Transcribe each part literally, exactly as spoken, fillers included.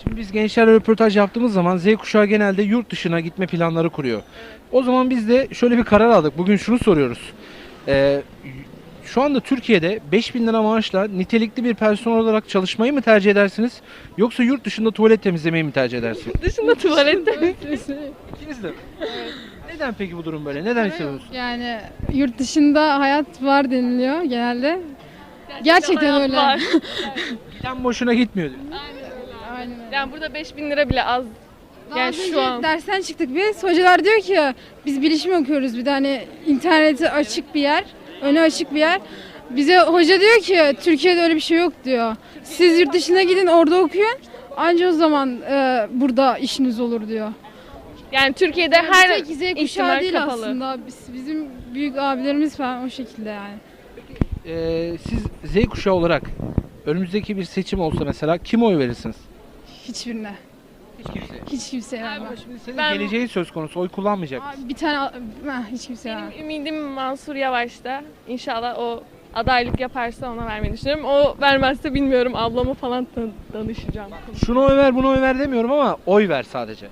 Şimdi biz gençlerle röportaj yaptığımız zaman Z kuşağı genelde yurt dışına gitme planları kuruyor. O zaman biz de şöyle bir karar aldık. Bugün şunu soruyoruz. Ee, Şu anda Türkiye'de beş bin lira maaşla nitelikli bir personel olarak çalışmayı mı tercih edersiniz? Yoksa yurt dışında tuvalet temizlemeyi mi tercih edersiniz? Dışında tuvalette. İkiniz de mi? Neden peki bu durum böyle? Neden hissediyorsunuz? Yani yurt dışında hayat var deniliyor genelde. Gerçekten hayat öyle. var. Giden boşuna gitmiyor diyor. Aynen öyle. Yani burada beş bin lira bile az. Daha Yani az şu önce an. dersten çıktık biz. Hocalar diyor ki biz bilişim okuyoruz bir de hani interneti açık bir yer, öne açık bir yer. Bize hoca diyor ki Türkiye'de öyle bir şey yok diyor. Siz yurt dışına gidin orada okuyun. Anca o zaman e, burada işiniz olur diyor. Yani Türkiye'de her Tek Z kuşağı ihtimal değil kapalı. aslında. Biz, bizim büyük abilerimiz falan o şekilde yani. Ee, siz Z kuşağı olarak önümüzdeki bir seçim olsa mesela kime oy verirsiniz? Hiçbirine. Hiç kimseye. Hiç kimseye vermem. Şimdi senin Ben- geleceğin söz konusu. Oy kullanmayacak mısın? Abi bir tane ha, hiç kimseye vermem. Benim ümidim Mansur Yavaş'ta. İnşallah o adaylık yaparsa ona vermeyi düşünüyorum. O vermezse bilmiyorum, ablama falan dan- danışacağım. Şuna oy ver, buna oy ver demiyorum ama oy ver sadece.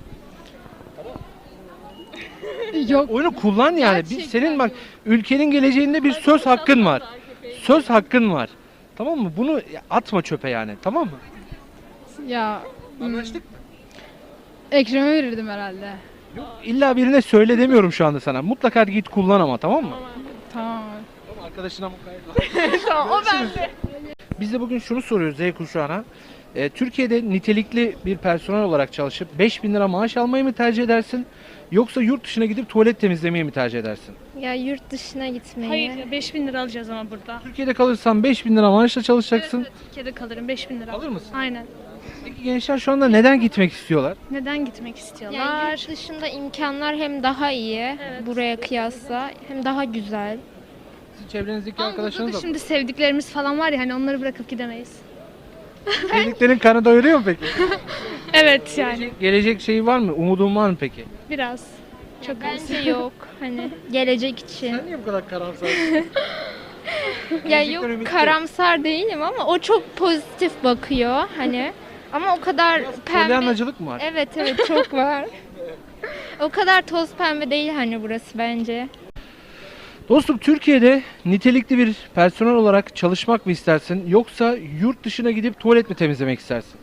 Yok. Oyunu kullan yani. Bir, Gerçekten senin bak ülkenin geleceğinde bir söz hakkın var. Söz hakkın var. Tamam mı? Bunu atma çöpe yani. Tamam mı? Ya hmm, Anlaştık mı? Ekrem'e verirdim herhalde. Yok, illa birine söyle demiyorum şu anda sana. Mutlaka git kullan ama, tamam mı? Tamam. Tamam, arkadaşına mukayyet. Tamam, o bende. Biz de bugün şunu soruyoruz Z kuşağına. Ee, Türkiye'de nitelikli bir personel olarak çalışıp beş bin lira maaş almayı mı tercih edersin? Yoksa yurt dışına gidip tuvalet temizlemeyi mi tercih edersin? Ya yurt dışına gitmeyi. Hayır, beş bin lira alacağız ama burada. Türkiye'de kalırsan beş bin lira maaşla çalışacaksın. Evet, evet, Türkiye'de kalırım, beş bin lira. Alır mısın? Aynen. Peki gençler şu anda neden gitmek istiyorlar? Neden gitmek Yani istiyorlar? yurt dışında imkanlar hem daha iyi Evet. buraya kıyasla hem daha güzel. Sizin çevrenizdeki Ama burada arkadaşlarınız da da şimdi sevdiklerimiz falan var ya, hani onları bırakıp gidemeyiz. Sevdiklerin karnı doyuruyor mu peki? Evet yani, Gelecek, gelecek şeyi var mı? Umudun var mı peki? biraz. Çok Bence yok hani gelecek için. niye bu kadar karamsarsın? Ya Gerçekten yok ümitli. karamsar değilim ama o çok pozitif bakıyor hani. Ama o kadar pembe. Polyanlacılık mı var? Evet evet çok var. O kadar toz pembe değil hani burası bence. Dostum, Türkiye'de nitelikli bir personel olarak çalışmak mı istersin? Yoksa yurt dışına gidip tuvalet mi temizlemek istersin?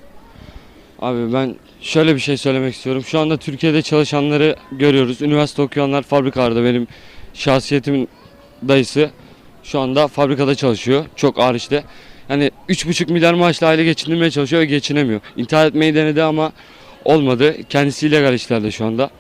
Abi ben şöyle bir şey söylemek istiyorum. Şu anda Türkiye'de çalışanları görüyoruz. Üniversite okuyanlar fabrikalarda, benim şahsiyetimin dayısı şu anda fabrikada çalışıyor. Çok ağır işte. Yani üç buçuk milyar maaşla aile geçindirmeye çalışıyor ve geçinemiyor. İntihar etmeyi denedi ama olmadı. Kendisi illegal işlerde şu anda.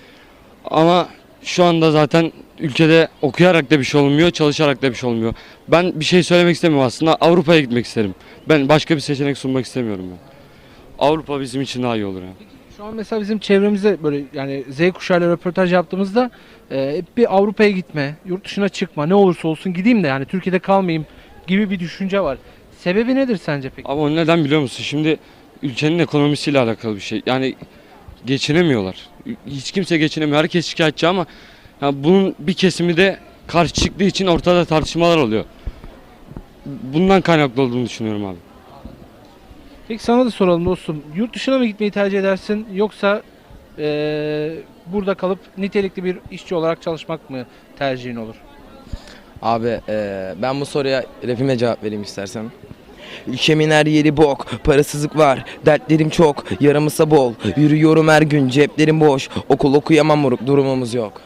Ama şu anda zaten ülkede okuyarak da bir şey olmuyor, çalışarak da bir şey olmuyor. Ben bir şey söylemek istemiyorum aslında. Avrupa'ya gitmek isterim. Ben başka bir seçenek sunmak istemiyorum ben. Avrupa bizim için daha iyi olur yani. Şu an mesela bizim çevremizde böyle yani Z kuşağıyla röportaj yaptığımızda e, hep bir Avrupa'ya gitme, yurt dışına çıkma, ne olursa olsun gideyim de yani Türkiye'de kalmayayım gibi bir düşünce var. Sebebi nedir sence peki? Ama o neden biliyor musun? Şimdi ülkenin ekonomisiyle alakalı bir şey. Yani geçinemiyorlar. Hiç kimse geçinemiyor. Herkes şikayetçi ama ya bunun bir kesimi de karşı çıktığı için ortada tartışmalar oluyor. Bundan kaynaklı olduğunu düşünüyorum abi. Peki sana da soralım dostum. Yurt dışına mı gitmeyi tercih edersin yoksa e, burada kalıp nitelikli bir işçi olarak çalışmak mı tercihin olur? Abi eee, ben bu soruya rapime cevap vereyim istersen. Ülkemin her yeri bok, parasızlık var, dertlerim çok, yaramısa bol. Yürüyorum her gün, ceplerim boş, okul okuyamam moruk, durumumuz yok.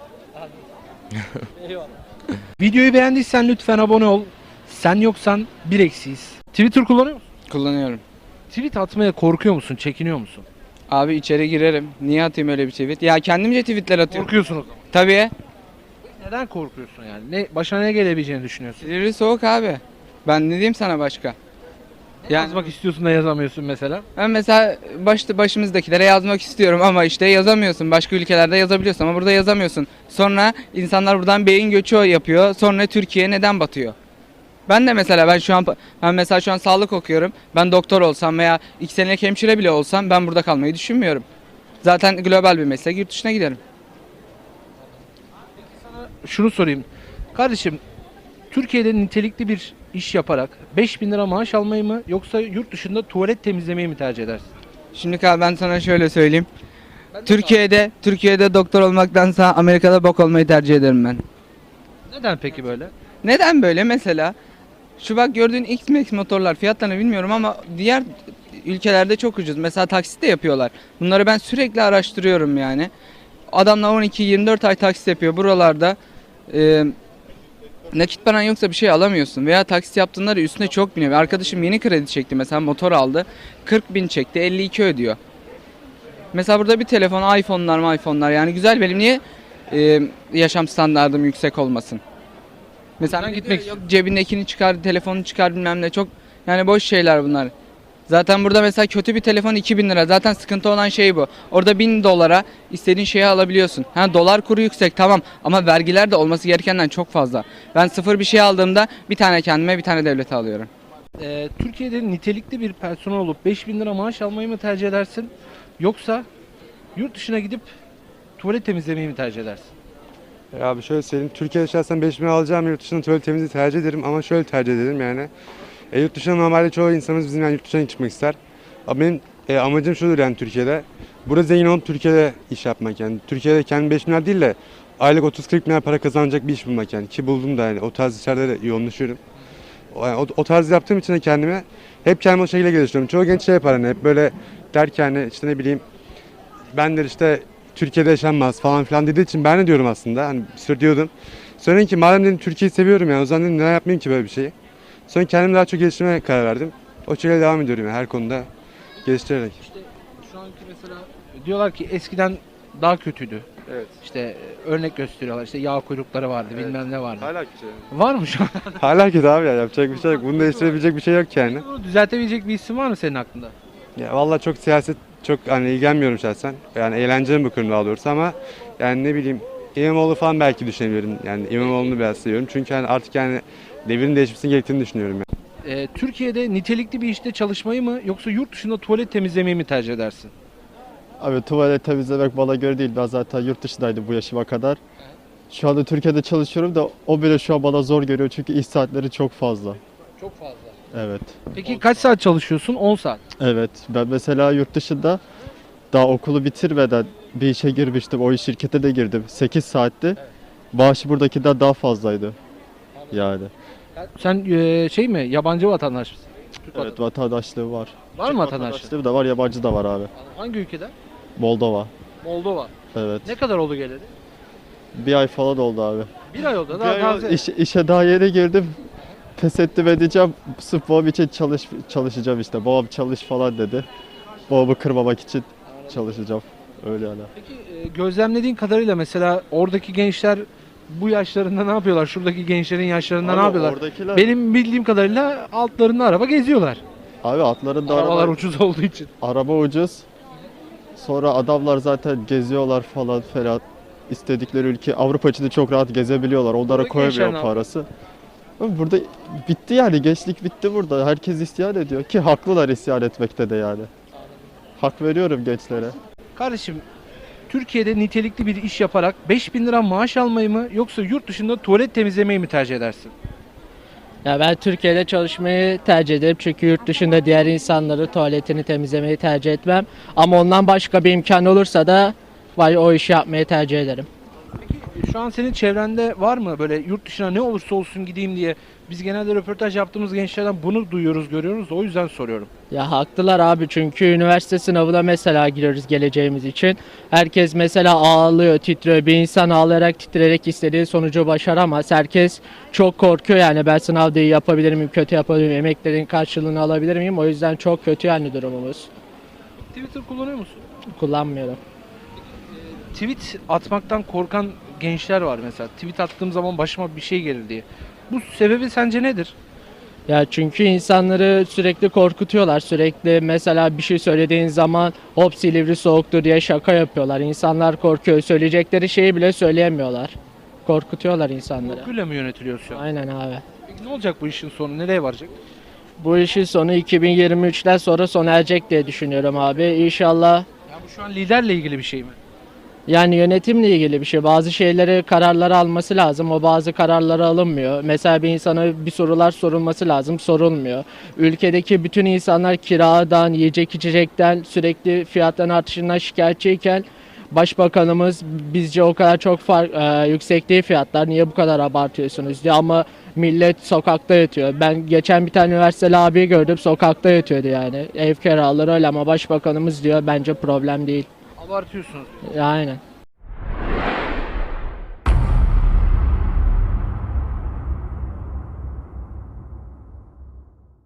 Videoyu beğendiysen lütfen abone ol. Sen yoksan bir eksiyiz. Twitter kullanıyor musun? Kullanıyorum. Tweet atmaya korkuyor musun? Çekiniyor musun? Abi içeri girerim. Niye atayım öyle bir tweet? Ya kendimce tweetler atıyorum. Korkuyorsun o zaman. Tabii. Neden korkuyorsun yani? Ne başına ne gelebileceğini düşünüyorsun? Silivri soğuk abi. Ben ne diyeyim sana başka? Ne Yani- yazmak istiyorsun da yazamıyorsun mesela? Ben mesela başta başımızdakilere yazmak istiyorum ama işte yazamıyorsun. Başka ülkelerde yazabiliyorsun ama burada yazamıyorsun. Sonra insanlar buradan beyin göçü yapıyor. Sonra Türkiye neden batıyor? Ben de mesela ben şu an ben mesela şu an sağlık okuyorum. Ben doktor olsam veya iki senelik hemşire bile olsam ben burada kalmayı düşünmüyorum. Zaten global bir meslek, yurt dışına giderim. Şunu sorayım. Kardeşim, Türkiye'de nitelikli bir iş yaparak beş bin lira maaş almayı mı yoksa yurt dışında tuvalet temizlemeyi mi tercih edersin? Şimdi abi ben sana şöyle söyleyeyim. Türkiye'de Türkiye'de doktor olmaktansa Amerika'da bok olmayı tercih ederim ben. Neden peki böyle? Neden böyle mesela? Şu bak gördüğün X-Max motorlar fiyatlarını bilmiyorum ama diğer ülkelerde çok ucuz. Mesela taksit de yapıyorlar. Bunları ben sürekli araştırıyorum yani. Adamlar on iki yirmi dört ay taksit yapıyor buralarda. E, nakit paran yoksa bir şey alamıyorsun. Veya taksit yaptığında üstüne çok biniyor. Arkadaşım yeni kredi çekti mesela motor aldı. kırk bin çekti elli iki ödüyor. Mesela burada bir telefon iPhone'lar mı iPhone'lar yani güzel benim niye e, yaşam standardım yüksek olmasın? Mesela Buradan gitmek gitmek yok cebindekini çıkar, telefonunu çıkar bilmem ne çok yani boş şeyler bunlar. Zaten burada mesela kötü bir telefon iki bin lira. Zaten sıkıntı olan şey bu. Orada bin dolara istediğin şeyi alabiliyorsun. Ha dolar kuru yüksek tamam ama vergiler de olması gerekenden çok fazla. Ben sıfır bir şey aldığımda bir tane kendime bir tane devlete alıyorum. Ee, Türkiye'de nitelikli bir personel olup beş bin lira maaş almayı mı tercih edersin? Yoksa yurt dışına gidip tuvalet temizlemeyi mi tercih edersin? Ya abi şöyle söyleyeyim. Türkiye'de şahsen beş bin alacağım yurt dışında tuvalet temizliği tercih ederim ama şöyle tercih ederim yani. E, yurt dışına normalde çoğu insanımız bizim yani yurt dışına çıkmak ister. Ama benim e, amacım şudur yani Türkiye'de. Burada zengin olup Türkiye'de iş yapmak yani. Türkiye'de kendi beş bin lira değil de aylık otuz kırk bin lira para kazanacak bir iş bulmak yani. Ki buldum da yani o tarz işlerde de yoğunlaşıyorum. O, yani o, o tarz yaptığım için de kendime hep kendimi o şekilde geliştiriyorum. Çoğu genç şey yapar hani hep böyle der ki hani işte ne bileyim ben de işte Türkiye'de yaşanmaz falan filan dediği için ben de diyorum aslında hani bir sürü diyordum. Sonra dedim ki madem dedim Türkiye'yi seviyorum yani o zaman dedim neden yapmayayım ki böyle bir şeyi. Sonra kendimi daha çok geliştirmeye karar verdim. O şekilde devam ediyorum yani her konuda geliştirerek. İşte şu anki mesela diyorlar ki eskiden daha kötüydü. Evet. İşte e, örnek gösteriyorlar. İşte yağ kuyrukları vardı, Evet. bilmem ne vardı. Hala kötü. Var mı şu an? Hala kötü abi ya yapacak bir şey yok. Bunu değiştirebilecek bir şey yok yani. Bunu düzeltebilecek bir isim var mı senin aklında? Ya vallahi çok siyaset çok hani ilgilenmiyorum şahsen. Yani eğlenceli bakıyorum daha doğrusu ama yani ne bileyim İmamoğlu falan belki düşünebilirim. Yani İmamoğlu'nu biraz seviyorum. Çünkü hani artık yani devrin değişmesini gerektiğini düşünüyorum yani. Ee, Türkiye'de nitelikli bir işte çalışmayı mı yoksa yurt dışında tuvalet temizlemeyi mi tercih edersin? Abi tuvalet temizlemek bana göre değil. Ben zaten yurt dışındaydım bu yaşıma kadar. Şu anda Türkiye'de çalışıyorum da o bile şu an bana zor geliyor çünkü iş saatleri çok fazla. Çok fazla. Evet. Peki kaç saat çalışıyorsun? on saat. Evet. Ben mesela yurt dışında daha okulu bitirmeden bir işe girmiştim. O iş şirkete de girdim. sekiz saatti. Maaşı buradakinden daha fazlaydı. Yani. Sen e, şey mi? Yabancı vatandaş mısın? Türk Evet vatandaşlığı var. Var mı vatandaşlık? Vatandaşlığı da var, yabancı da var abi. Hangi ülkeden? Moldova. Moldova. Evet. Ne kadar oldu geleli? Bir ay falan oldu abi. Bir ay oldu. Bir Daha ay oldu. taze. İş- işe daha yeni girdim. Pes ettim edeceğim. Sırf babam için çalış, çalışacağım işte. Babam çalış falan dedi. Babamı kırmamak için çalışacağım. Öyle yani. Peki e, gözlemlediğin kadarıyla mesela oradaki gençler bu yaşlarında ne yapıyorlar? Şuradaki gençlerin yaşlarında ne Abi yapıyorlar? oradakiler- Benim bildiğim kadarıyla altlarında araba geziyorlar. Abi atlarında Arabalar araba, ucuz olduğu için. araba ucuz. Sonra adamlar zaten geziyorlar falan falan. İstedikleri ülke Avrupa içinde çok rahat gezebiliyorlar. Onlara Buradaki gençler koyamıyor ne yapıyor? parası. Ama burada bitti yani gençlik bitti burada. Herkes isyan ediyor ki haklılar isyan etmekte de yani. Hak veriyorum gençlere. Kardeşim Türkiye'de nitelikli bir iş yaparak beş bin lira maaş almayı mı yoksa yurt dışında tuvalet temizlemeyi mi tercih edersin? Ya ben Türkiye'de çalışmayı tercih ederim çünkü yurt dışında diğer insanları tuvaletini temizlemeyi tercih etmem. Ama ondan başka bir imkan olursa da vay o işi yapmayı tercih ederim. Peki şu an senin çevrende var mı böyle yurt dışına ne olursa olsun gideyim diye? Biz genelde röportaj yaptığımız gençlerden bunu duyuyoruz, görüyoruz da o yüzden soruyorum. Ya haklılar abi çünkü üniversite sınavına mesela giriyoruz geleceğimiz için. Herkes mesela ağlıyor, titriyor. Bir insan ağlayarak, titreyerek istediği sonucu başaramaz. Herkes çok korkuyor yani ben sınavda iyi yapabilir miyim, kötü yapabilir miyim, emeklerin karşılığını alabilir miyim? O yüzden çok kötü yani durumumuz. Twitter kullanıyor musun? Kullanmıyorum. Tweet atmaktan korkan gençler var mesela. Tweet attığım zaman başıma bir şey gelir diye. Bu sebebi sence nedir? Ya çünkü insanları sürekli korkutuyorlar. Sürekli mesela bir şey söylediğin zaman hop Silivri soğuktur diye şaka yapıyorlar. İnsanlar korkuyor. Söyleyecekleri şeyi bile söyleyemiyorlar. Korkutuyorlar insanları. Korkuyla mı yönetiliyor şu an? Aynen abi. Peki ne olacak bu işin sonu? Nereye varacak? Bu işin sonu iki bin yirmi üçten sonra sona erecek diye düşünüyorum abi. İnşallah. Ya bu şu an liderle ilgili bir şey mi? Yani yönetimle ilgili bir şey. Bazı şeyleri, kararları alması lazım. O bazı kararları alınmıyor. Mesela bir insana bir sorular sorulması lazım. Sorulmuyor. Ülkedeki bütün insanlar kiradan, yiyecek içecekten, sürekli fiyatların artışından şikayetçiyken Başbakanımız bizce o kadar çok fark, e, yüksek değil fiyatlar. Niye bu kadar abartıyorsunuz diyor ama millet sokakta yatıyor. Ben geçen bir tane üniversiteli abiyi gördüm, sokakta yatıyordu yani. Ev kiraları öyle ama başbakanımız diyor bence problem değil. Abartıyorsunuz. Aynen.